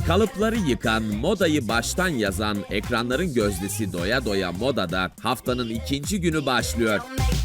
Kalıpları yıkan, modayı baştan yazan ekranların gözdesi Doya Doya Moda'da haftanın ikinci günü başlıyor.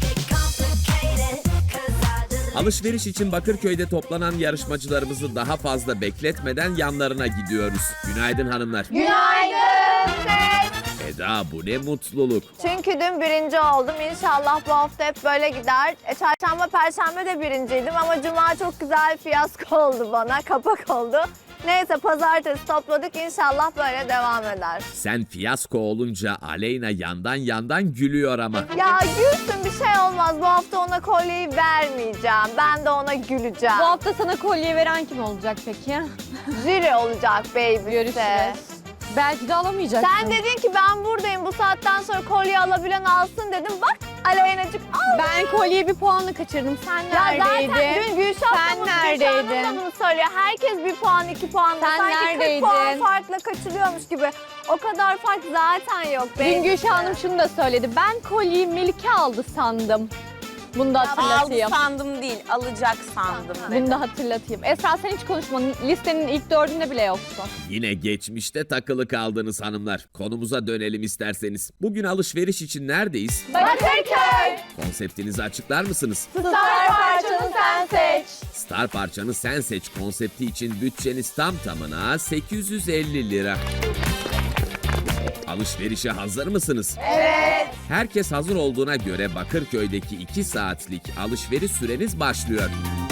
Alışveriş için Bakırköy'de toplanan yarışmacılarımızı daha fazla bekletmeden yanlarına gidiyoruz. Günaydın hanımlar. Günaydın. Eda, bu ne mutluluk. Çünkü dün birinci oldum. İnşallah bu hafta hep böyle gider. Çarşamba, perşembe de birinciydim ama cuma çok güzel fiyasko oldu bana. Kapak oldu. Neyse pazartesi topladık. İnşallah böyle devam eder. Sen fiyasko olunca Aleyna yandan gülüyor ama. Ya gülsün, bir şey olmaz. Bu hafta ona kolyeyi vermeyeceğim. Ben de ona güleceğim. Bu hafta sana kolye veren kim olacak peki? Jüri olacak baby. Görüşürüz. Belki de alamayacaksın. Sen dedin ki ben buradayım, bu saatten sonra kolye alabilen alsın dedim. Bak Aleyna'cık al. Ben kolyeyi bir puanla kaçırdım. Sen neredeydin? Ya zaten dün Sen neredeydin? bunu söylüyor. Herkes bir puan, 2 puan. Sen sanki neredeydin? 40 puan farkla kaçırıyormuş gibi. O kadar fark zaten yok. Dün Gülşah Hanım şunu da söyledi. Ben kolyeyi Melike aldı sandım. Bunu da hatırlatayım. Aldı sandım değil, alacak sandım. Bunu da hatırlatayım. Esra sen hiç konuşmadın. Listenin ilk 4'ünde bile yoksun. Yine geçmişte takılı kaldınız hanımlar. Konumuza dönelim isterseniz. Bugün alışveriş için neredeyiz? Bakırköy. Konseptinizi açıklar mısınız? Star parçanı sen seç. Star parçanı sen seç konsepti için bütçeniz tam tamına 850 lira. Alışverişe hazır mısınız? Evet. Herkes hazır olduğuna göre Bakırköy'deki 2 saatlik alışveriş süreniz başlıyor.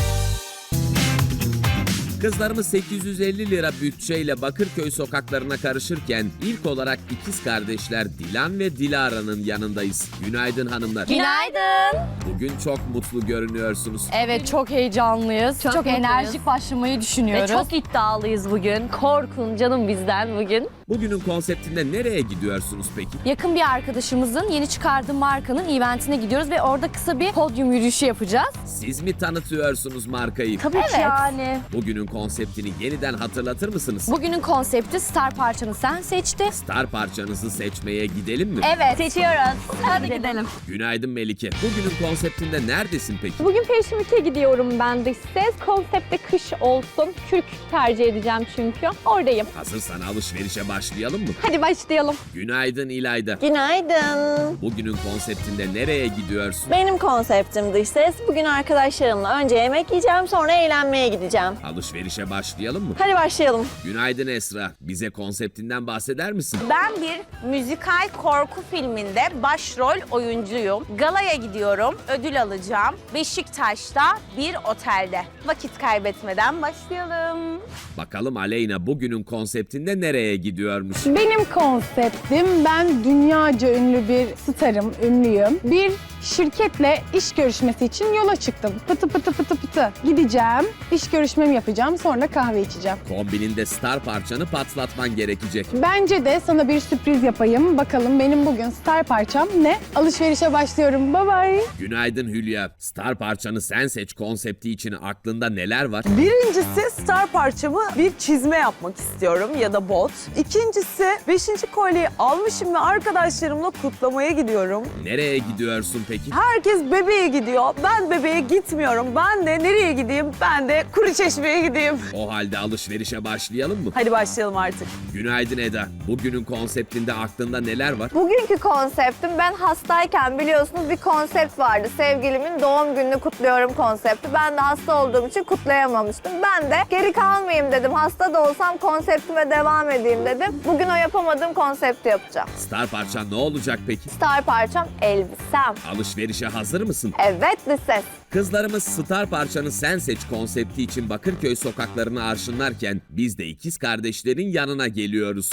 Kızlarımız 850 lira bütçeyle Bakırköy sokaklarına karışırken ilk olarak ikiz kardeşler Dilan ve Dilara'nın yanındayız. Günaydın hanımlar. Günaydın. Bugün çok mutlu görünüyorsunuz. Evet çok heyecanlıyız. Çok enerjik başlamayı düşünüyoruz. Ve çok iddialıyız bugün. Korkun canım bizden bugün. Bugünün konseptinde nereye gidiyorsunuz peki? Yakın bir arkadaşımızın yeni çıkardığı markanın eventine gidiyoruz ve orada kısa bir podyum yürüyüşü yapacağız. Siz mi tanıtıyorsunuz markayı? Tabii ki yani. Bugünün konseptini yeniden hatırlatır mısınız? Bugünün konsepti Star parçanı sen seçti. Star parçanızı seçmeye gidelim mi? Evet. Seçiyoruz. Hadi gidelim. Günaydın Melike. Bugünün konseptinde neredesin peki? Bugün Fashion Week'e gidiyorum ben de size. Konsepte kış olsun. Kürk tercih edeceğim çünkü. Oradayım. Hazırsan alışverişe başlayalım mı? Hadi başlayalım. Günaydın İlayda. Günaydın. Bugünün konseptinde nereye gidiyorsun? Benim konseptim dış ses. Bugün arkadaşlarımla önce yemek yiyeceğim, sonra eğlenmeye gideceğim. Alışverişe başlayalım mı? Hadi başlayalım. Günaydın Esra. Bize konseptinden bahseder misin? Ben bir müzikal korku filminde başrol oyuncuyum. Galaya gidiyorum, ödül alacağım. Beşiktaş'ta bir otelde. Vakit kaybetmeden başlayalım. Bakalım Aleyna bugünün konseptinde nereye gidiyormuş? Benim konseptim, ben dünyaca ünlü bir starım, ünlüyüm. Bir şirketle iş görüşmesi için yola çıktım. Pıtı pıtı pıtı pıtı. Gideceğim, iş görüşmemi yapacağım, sonra kahve içeceğim. Kombininde star parçanı patlatman gerekecek. Bence de sana bir sürpriz yapayım. Bakalım benim bugün star parçam ne? Alışverişe başlıyorum. Bye bye. Günaydın Hülya. Star parçanı sen seç konsepti için aklında neler var? Birincisi star parçamı bir çizme yapmak istiyorum ya da bot. İkincisi 5. kolyeyi almışım ve arkadaşlarımla kutlamaya gidiyorum. Nereye gidiyorsun peki? Herkes bebeğe gidiyor. Ben bebeğe gitmiyorum. Ben de nereye gideyim? Ben de Kuruçeşme'ye gideyim. O halde alışverişe başlayalım mı? Hadi başlayalım artık. Günaydın Eda. Bugünün konseptinde aklında neler var? Bugünkü konseptim, ben hastayken biliyorsunuz bir konsept vardı. Sevgilimin doğum gününü kutluyorum konsepti. Ben de hasta olduğum için kutlayamamıştım. Ben de geri kalmayayım dedim. Hasta da olsam konseptime devam edeyim dedim. Bugün o yapamadığım konsepti yapacağım. Star parçan ne olacak peki? Star parçam elbisem. Alışverişe hazır mısın? Evet ses. Kızlarımız star parçanı sen seç konsepti için Bakırköy sokaklarını arşınlarken biz de ikiz kardeşlerin yanına geliyoruz.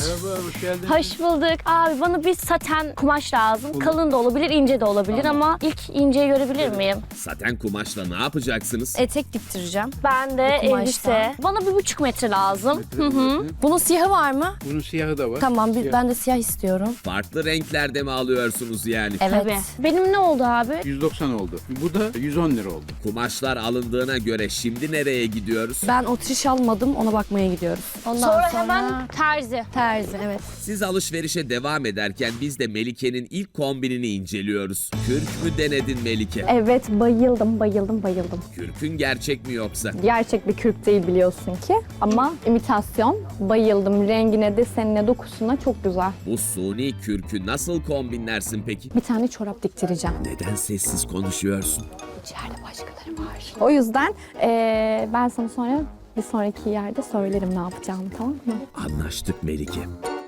Hoş bulduk. Abi bana bir saten kumaş lazım. Kalın da olabilir, ince de olabilir ama ilk inceyi görebilir miyim? Saten kumaşla ne yapacaksınız? Etek diktireceğim. Ben de Bu kumaştan. elbise. Bana 1,5 metre lazım. Hı hı. Bunun siyahı var mı? Bunun siyahı da var. Tamam, ben de siyah istiyorum. Farklı renklerde mi alıyorsunuz yani? Evet. Benim ne oldu abi? 190 oldu. Bu da 110 lira oldu. Kumaşlar alındığına göre şimdi nereye gidiyoruz? Ben otriş almadım, ona bakmaya gidiyoruz. Sonra hemen terzi. Terzi, evet. Siz alışverişe devam ederken biz de Melike'nin ilk kombinini inceliyoruz. Kürk mü denedin Melike? Evet, bayıldım. Kürkün gerçek mi yoksa? Gerçek bir kürk değil biliyorsun ki ama imitasyon. Bayıldım. Rengine, desenine, dokusuna çok güzel. Bu suni kürkü nasıl kombinlersin peki? Bir tane çorap diktireceğim. Neden sessiz konuşuyorsun? İçeride başkaları var. O yüzden ben sana sonra bir sonraki yerde söylerim ne yapacağımı, tamam mı? Anlaştık Melike.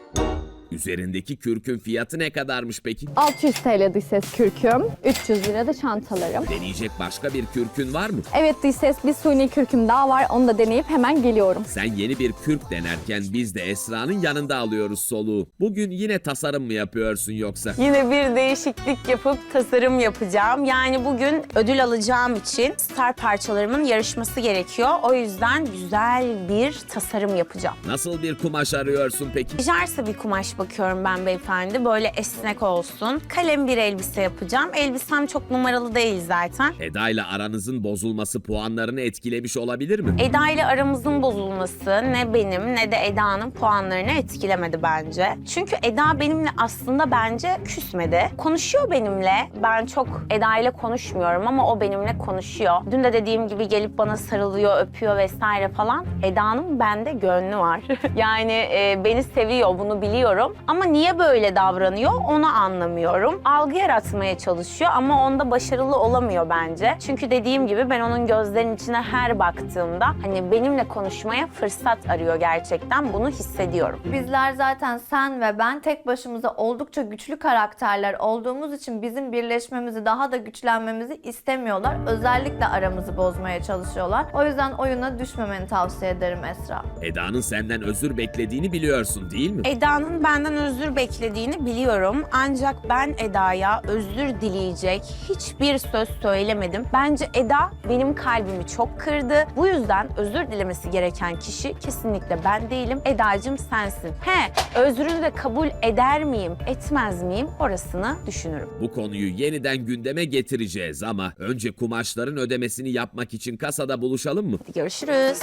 Üzerindeki kürkün fiyatı ne kadarmış peki? 600 TL dış ses kürküm, 300 lira da çantalarım. Deneyecek başka bir kürkün var mı? Evet dış ses, bir suni kürküm daha var. Onu da deneyip hemen geliyorum. Sen yeni bir kürk denerken biz de Esra'nın yanında alıyoruz soluğu. Bugün yine tasarım mı yapıyorsun yoksa? Yine bir değişiklik yapıp tasarım yapacağım. Yani bugün ödül alacağım için star parçalarımın yarışması gerekiyor. O yüzden güzel bir tasarım yapacağım. Nasıl bir kumaş arıyorsun peki? Jarsa bir kumaş bakıyorum ben beyefendi. Böyle esnek olsun. Kalem bir elbise yapacağım. Elbisem çok numaralı değil zaten. Eda ile aranızın bozulması puanlarını etkilemiş olabilir mi? Eda ile aramızın bozulması ne benim ne de Eda'nın puanlarını etkilemedi bence. Çünkü Eda benimle aslında bence küsmedi. Konuşuyor benimle. Ben çok Eda ile konuşmuyorum ama o benimle konuşuyor. Dün de dediğim gibi gelip bana sarılıyor, öpüyor vesaire falan. Eda'nın bende gönlü var. Yani beni seviyor, bunu biliyorum. Ama niye böyle davranıyor onu anlamıyorum. Algı yaratmaya çalışıyor ama onda başarılı olamıyor bence. Çünkü dediğim gibi ben onun gözlerinin içine her baktığımda hani benimle konuşmaya fırsat arıyor gerçekten. Bunu hissediyorum. Bizler zaten sen ve ben tek başımıza oldukça güçlü karakterler olduğumuz için bizim birleşmemizi, daha da güçlenmemizi istemiyorlar. Özellikle aramızı bozmaya çalışıyorlar. O yüzden oyuna düşmemeni tavsiye ederim Esra. Eda'nın senden özür beklediğini biliyorsun değil mi? Eda'nın benden özür beklediğini biliyorum. Ancak ben Eda'ya özür dileyecek hiçbir söz söylemedim. Bence Eda benim kalbimi çok kırdı. Bu yüzden özür dilemesi gereken kişi kesinlikle ben değilim. Eda'cığım sensin. Özrünü de kabul eder miyim, etmez miyim orasını düşünürüm. Bu konuyu yeniden gündeme getireceğiz ama önce kumaşların ödemesini yapmak için kasada buluşalım mı? Görüşürüz.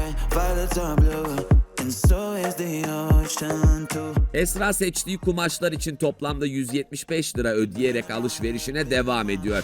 Esra seçtiği kumaşlar için toplamda 175 lira ödeyerek alışverişine devam ediyor.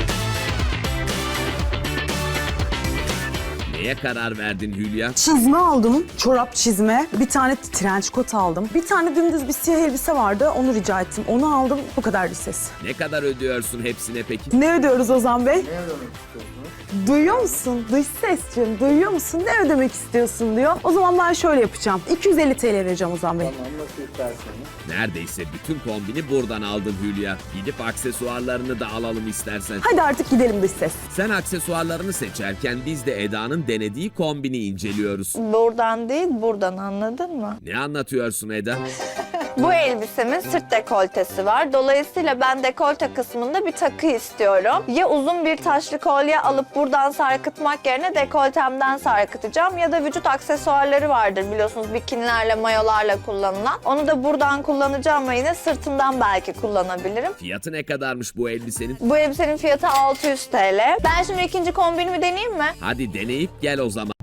Neye karar verdin Hülya? Çizme aldım, çorap çizme. Bir tane trench coat aldım. Bir tane dümdüz bir siyah elbise vardı, onu rica ettim. Onu aldım, bu kadar ses. Ne kadar ödüyorsun hepsine peki? Ne ödüyoruz Ozan Bey? Ne ödemek istiyorsunuz? Duyuyor musun? Dış sesciğim, duyuyor musun? Ne ödemek istiyorsun diyor. O zaman ben şöyle yapacağım. 250 TL vereceğim Ozan Bey. Neredeyse bütün kombini buradan aldın Hülya. Gidip aksesuarlarını da alalım istersen. Hadi artık gidelim dış ses. Sen aksesuarlarını seçerken biz de Eda'nın denediği kombini inceliyoruz. Buradan değil, buradan, anladın mı? Ne anlatıyorsun Eda? Bu elbisemin sırt dekoltesi var. Dolayısıyla ben dekolte kısmında bir takı istiyorum. Ya uzun bir taşlı kolye alıp buradan sarkıtmak yerine dekoltemden sarkıtacağım ya da vücut aksesuarları vardır biliyorsunuz, bikinilerle, mayolarla kullanılan. Onu da buradan kullanacağım ve yine sırtımdan belki kullanabilirim. Fiyatı ne kadarmış bu elbisenin? Bu elbisenin fiyatı 600 TL. Ben şimdi ikinci kombinimi deneyeyim mi? Hadi deneyip gel o zaman.